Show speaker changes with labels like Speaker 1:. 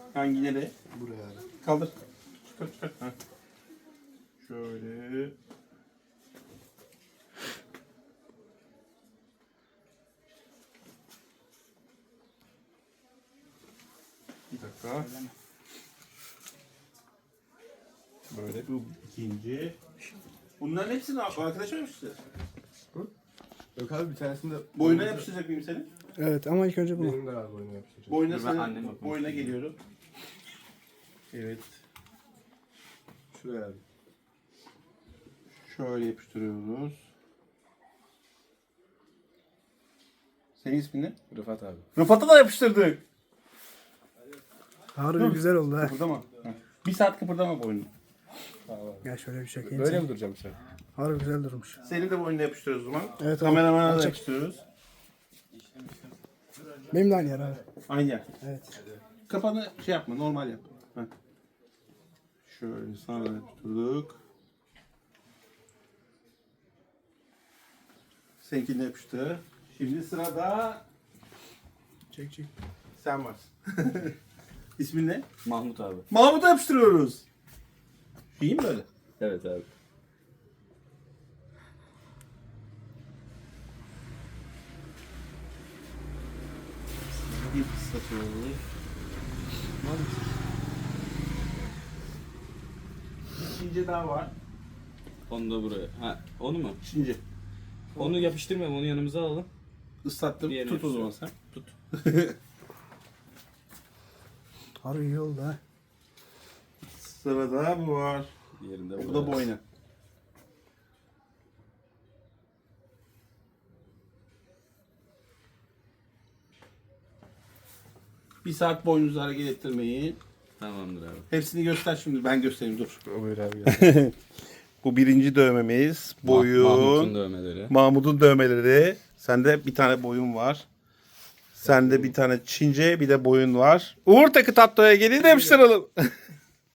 Speaker 1: Hangi nereye?
Speaker 2: Buraya abi.
Speaker 1: Kaldır. Çıkar. Ha. Şöyle. Bir dakika. Böyle bu ikinci. Bunların hepsini arkadaşa mı yapıştıracağız?
Speaker 2: Yok abi bir tanesini de...
Speaker 1: Boyuna yapıştıracak mıyım senin?
Speaker 3: Evet ama ilk önce bunu.
Speaker 2: Benim de abi boyuna yapıştıracak.
Speaker 1: Boyuna
Speaker 4: Dur, ben anneme
Speaker 1: senin
Speaker 4: bakmak
Speaker 1: boyuna
Speaker 4: istiyorum.
Speaker 1: geliyorum. Evet.
Speaker 2: Şuraya abi.
Speaker 1: Şöyle yapıştırıyoruz. Senin ismin ne?
Speaker 2: Rıfat abi.
Speaker 1: Rıfat'a da yapıştırdık.
Speaker 3: Harbi güzel oldu ha.
Speaker 1: Kıpırdama. Heh. Bir saat kıpırdama boynunu.
Speaker 2: Tamam abi.
Speaker 3: Gel şöyle bir çekeyim.
Speaker 2: Böyle
Speaker 3: seni.
Speaker 2: mi duracağım sen?
Speaker 3: Harbi güzel durmuş.
Speaker 1: Senin de boynuna yapıştırıyoruz o zaman.
Speaker 3: Evet abi.
Speaker 1: Kameramana da
Speaker 3: Çek.
Speaker 1: yapıştırıyoruz.
Speaker 3: Benim de aynı yer abi.
Speaker 1: Aynı yer.
Speaker 3: Evet.
Speaker 1: Kafanı şey yapma, normal yap. Heh. Şöyle sana da yapıştırdık. Seninkine yapıştı. Şimdi sırada
Speaker 3: Çek.
Speaker 1: sen varsın. İsmin ne?
Speaker 4: Mahmut abi.
Speaker 1: Mahmut'a yapıştırıyoruz. İyi mi böyle?
Speaker 4: Evet abi.
Speaker 1: Bir ıslatıyoruz. İkinci daha var.
Speaker 4: Onu da buraya. Ha, onu mu?
Speaker 1: İkinci.
Speaker 4: Onu yapıştırmayalım. Onu yanımıza alalım.
Speaker 1: Islattım.
Speaker 4: Diğerini
Speaker 1: Tut o zaman
Speaker 4: yapıştır.
Speaker 1: sen. Tut.
Speaker 3: Harbi iyi oldu ha.
Speaker 1: Sırada bu var.
Speaker 4: Diğerinde
Speaker 1: Bu da boyna. Bir saat boynunuzu hareket ettirmeyin.
Speaker 4: Tamamdır abi.
Speaker 1: Hepsini göster şimdi. Ben göstereyim dur.
Speaker 2: Buyur abi gel.
Speaker 1: Bu birinci dövmemiz. Boyun.
Speaker 4: Mahmut'un dövmeleri.
Speaker 1: Mahmut'un dövmeleri. Sende bir tane boyun var. Sende bir tane Çince bir de boyun var. Uğur Takı Tatlı'ya gelin de yapıştıralım.